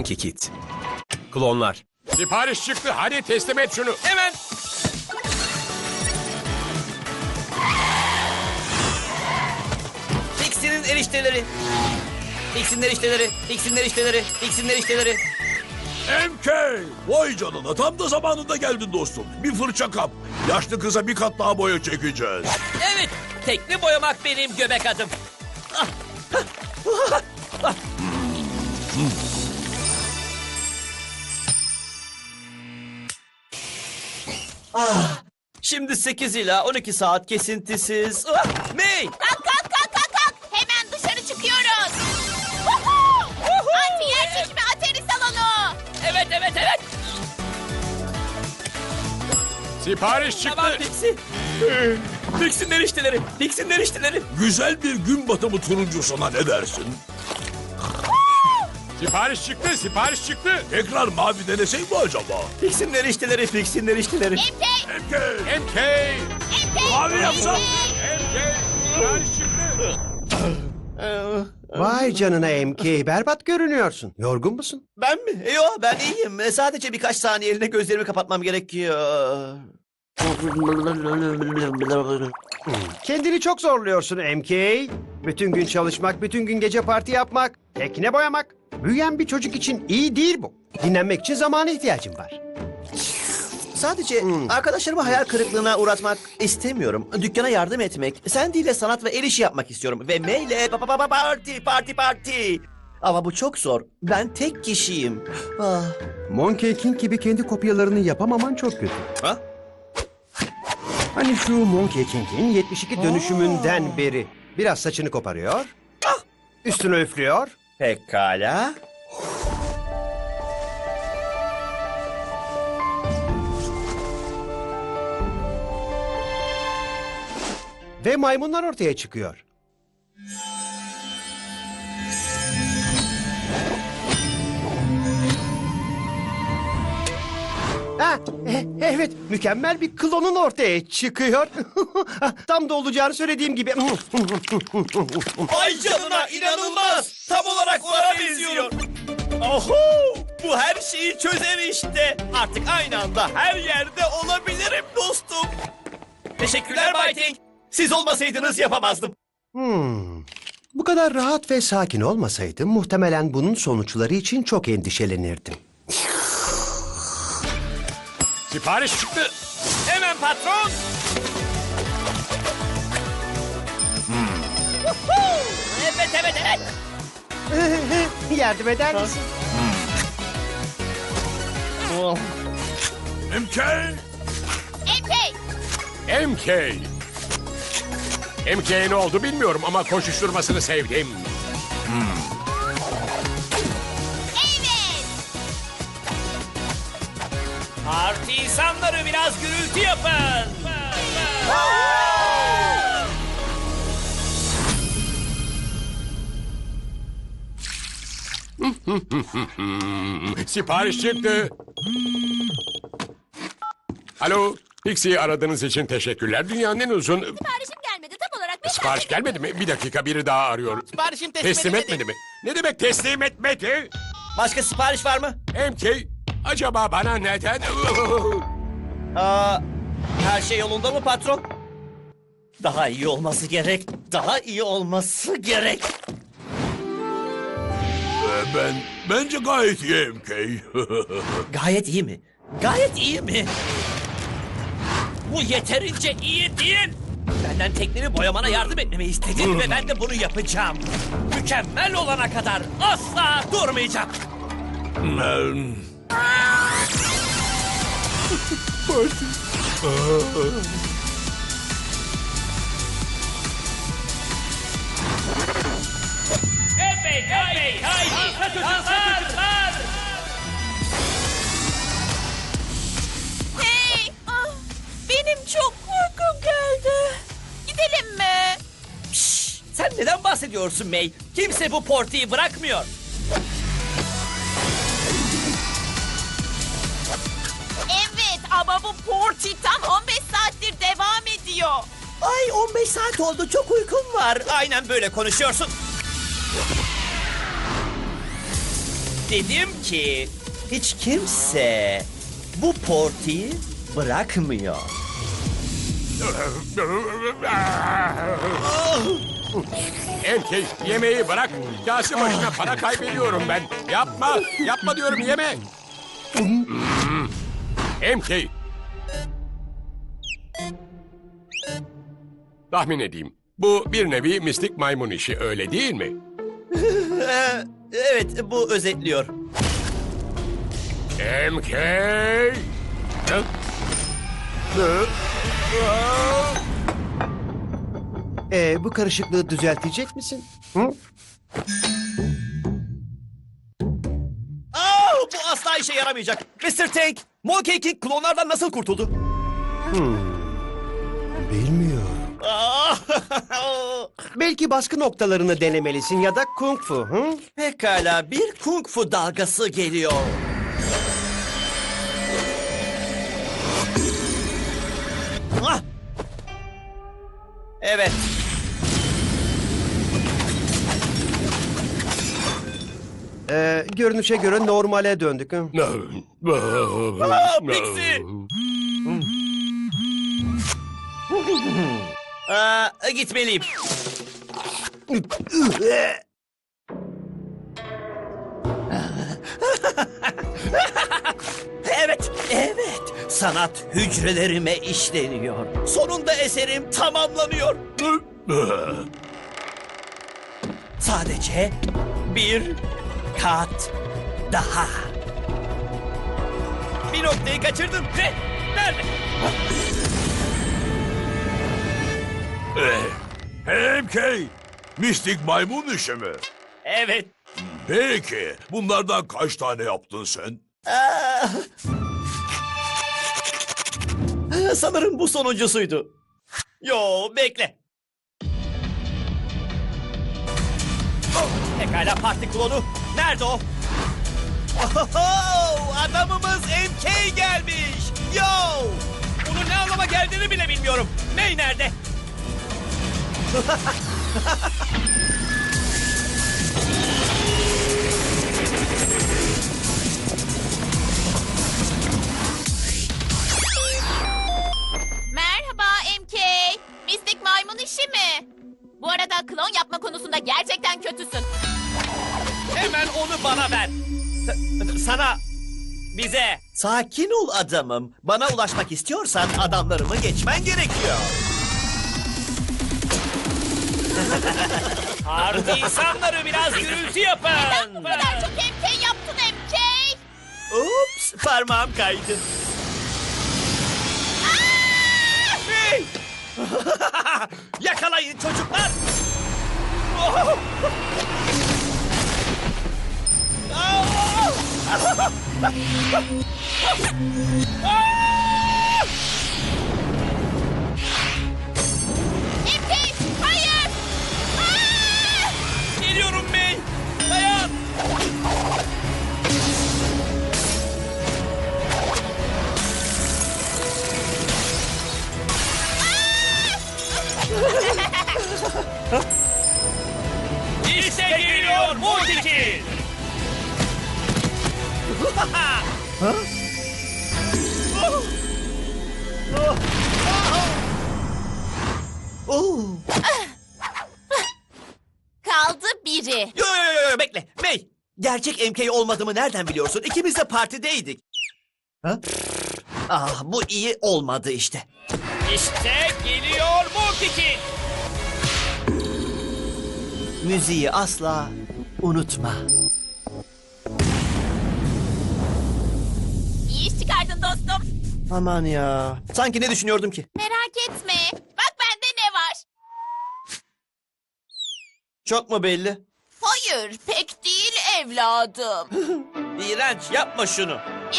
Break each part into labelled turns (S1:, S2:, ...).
S1: Monkey Kid. Klonlar.
S2: Sipariş çıktı. Hadi teslim et şunu.
S1: Hemen.
S3: Dixie'nin erişteleri. Dixie'nin erişteleri. Dixie'nin erişteleri. Dixie'nin erişteleri.
S4: MK! Vay canına tam da zamanında geldin dostum. Bir fırça kap. Yaşlı kıza bir kat daha boya çekeceğiz.
S3: Evet. Tekne boyamak benim göbek adım. Şimdi 8 ila 12 saat kesintisiz. May!
S5: Kalk kalk kalk kalk kalk. Hemen dışarı çıkıyoruz. Woohoo! Anti yer çekimi ateri salonu.
S3: Evet evet evet.
S2: Sipariş çıktı.
S3: Tamam Pixie. Dixie'nin erişteleri. Dixie'nin erişteleri.
S4: Güzel bir gün batımı turuncusuna ne dersin?
S2: Sipariş çıktı. Sipariş çıktı.
S4: Tekrar mavi denesek mi acaba?
S3: Dixie'nin erişteleri. Dixie'nin erişteleri.
S5: MK.
S4: MK!
S2: MK.
S5: MK.
S4: Mavi yapsam.
S2: MK. Sipariş çıktı.
S6: Vay canına MK, berbat görünüyorsun. Yorgun musun?
S3: Ben mi? Yo ben iyiyim. Sadece birkaç saniyeliğine gözlerimi kapatmam gerekiyor.
S6: Kendini çok zorluyorsun MK. Bütün gün çalışmak, bütün gün gece parti yapmak, tekne boyamak. Büyüyen bir çocuk için iyi değil bu. Dinlenmek için zamana ihtiyacım var.
S3: Sadece arkadaşlarımı hayal kırıklığına uğratmak istemiyorum. Dükkana yardım etmek, Sandy ile sanat ve el işi yapmak istiyorum. Ve May ile parti. Ama bu çok zor. Ben tek kişiyim. Ah.
S6: Monkey King gibi kendi kopyalarını yapamaman çok kötü.
S3: Ha?
S6: Hani şu Monkey King'in 72 dönüşümünden beri biraz saçını koparıyor, üstünü üflüyor,
S3: Pekala.
S6: ve maymunlar ortaya çıkıyor. Evet, mükemmel bir klonun ortaya çıkıyor. Tam da olacağını söylediğim gibi.
S3: Ay canına inanılmaz. Tam olarak ona benziyor. Oho! Bu her şeyi çözer işte. Artık aynı anda her yerde olabilirim dostum. Teşekkürler Bay Tank. Siz olmasaydınız yapamazdım.
S6: Bu kadar rahat ve sakin olmasaydım muhtemelen bunun sonuçları için çok endişelenirdim.
S2: Sipariş çıktı.
S3: Hemen patron. Evet.
S6: Yardım eder misin?
S4: MK!
S5: MK.
S2: MK. MK'ye ne oldu bilmiyorum ama koşuşturmasını sevdim.
S5: Evet.
S3: Parti insanları biraz gürültü yapın.
S2: Sipariş çıktı. Alo. Pixie'yi aradığınız için teşekkürler. Dünyanın en uzun...
S5: Siparişim gelmedi tam olarak. beş
S2: Sipariş
S5: dakika.
S2: gelmedi mi? Bir dakika biri daha arıyor.
S3: Siparişim
S2: Teslim etmedi mi? Ne demek teslim etmedi?
S3: Başka sipariş var mı?
S2: MK, acaba bana neden...
S3: Her şey yolunda mı patron? Daha iyi olması gerek. Daha iyi olması gerek.
S4: Bence gayet iyi MK.
S3: Gayet iyi mi? Gayet iyi mi? Bu yeterince iyi değil. Benden teknemi boyamana yardım etmemi istedin ve ben de bunu yapacağım. Mükemmel olana kadar asla durmayacağım. Evet, haydi, çocuklar.
S5: Hey. Benim çok uykum geldi. Gidelim mi?
S3: Sen neden bahsediyorsun May? Kimse bu portiyi bırakmıyor.
S5: Evet ama bu party tam 15 saattir devam ediyor.
S3: Ay 15 saat oldu, çok uykum var. Aynen böyle konuşuyorsun. Dedim ki hiç kimse bu Porty'yi bırakmıyor.
S2: MK yemeği bırak. Kase başına para kaybediyorum ben. Yapma. Yapma diyorum yeme. MK. Tahmin edeyim. Bu bir nevi mistik maymun işi öyle değil mi?
S3: Evet, bu özetliyor.
S2: MK.
S6: Bu karışıklığı düzeltecek misin? Hı?
S3: Bu asla işe yaramayacak. Mr. Tank, Monkey King klonlardan nasıl kurtuldu?
S6: Bilmiyorum.
S3: Ah!
S6: Belki baskı noktalarını denemelisin ya da kung fu. Hı?
S3: Pekala, bir kung fu dalgası geliyor. Ah! Evet.
S6: Görünüşe göre normale döndük. Hı?
S3: Pixie! Gitmeliyim. Evet, evet. Sanat hücrelerime işleniyor. Sonunda eserim tamamlanıyor. Sadece bir kat daha. Bir noktayı kaçırdın. Nerede?
S4: MK, mistik maymun işi mi?
S3: Evet.
S4: Peki, bunlardan kaç tane yaptın sen?
S3: Sanırım bu sonuncusuydu. Yo, bekle. Pekala, parti klonu. Nerede o? Ohoho, adamımız MK gelmiş. Yo! Bunun ne anlama geldiğini bile bilmiyorum. Ney nerede?
S5: Merhaba MK. Mistik maymun işi mi? Bu arada klon yapma konusunda gerçekten kötüsün.
S3: Hemen onu bana ver. Sana, bize. Sakin ol adamım. Bana ulaşmak istiyorsan adamlarımı geçmen gerekiyor. Harbi insanları biraz gürültü yapın.
S5: Bu kadar çok MK yaptın MK.
S3: Ups, parmağım kaydı. Hey! Yakalayın çocuklar. Oh!
S5: MK hayır.
S3: Geliyorum May. Dayan. İşte geliyor Montikil.
S5: Kaldı biri.
S3: Yo, bekle. May, gerçek MK olmadığımı nereden biliyorsun? İkimiz de partideydik. Ha? Bu iyi olmadı işte. İşte geliyor Montikil. Müziği asla unutma.
S5: İyi iş çıkardın dostum.
S3: Aman ya. Sanki ne düşünüyordum ki?
S5: Merak etme. Bak bende ne var?
S3: Çok mu belli?
S5: Hayır pek değil evladım.
S3: İğrenç, yapma şunu.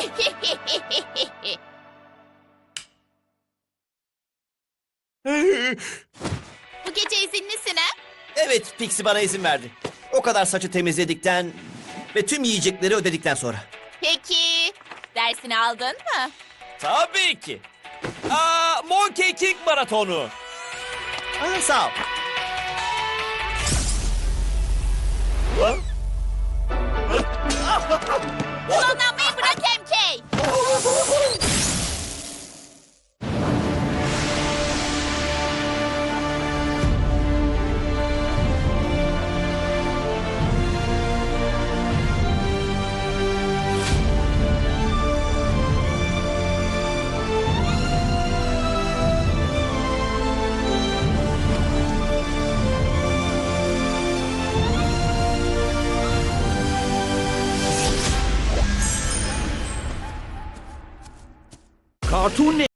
S5: Bu gece izinlisin ha?
S3: Evet, Pixie bana izin verdi. O kadar saçı temizledikten ve tüm yiyecekleri ödedikten sonra.
S5: Peki dersini aldın mı?
S3: Tabii ki. Monkey King maratonu. Sağ ol. Ha?
S5: Klonlanmayı bırak MK.
S3: Cartoon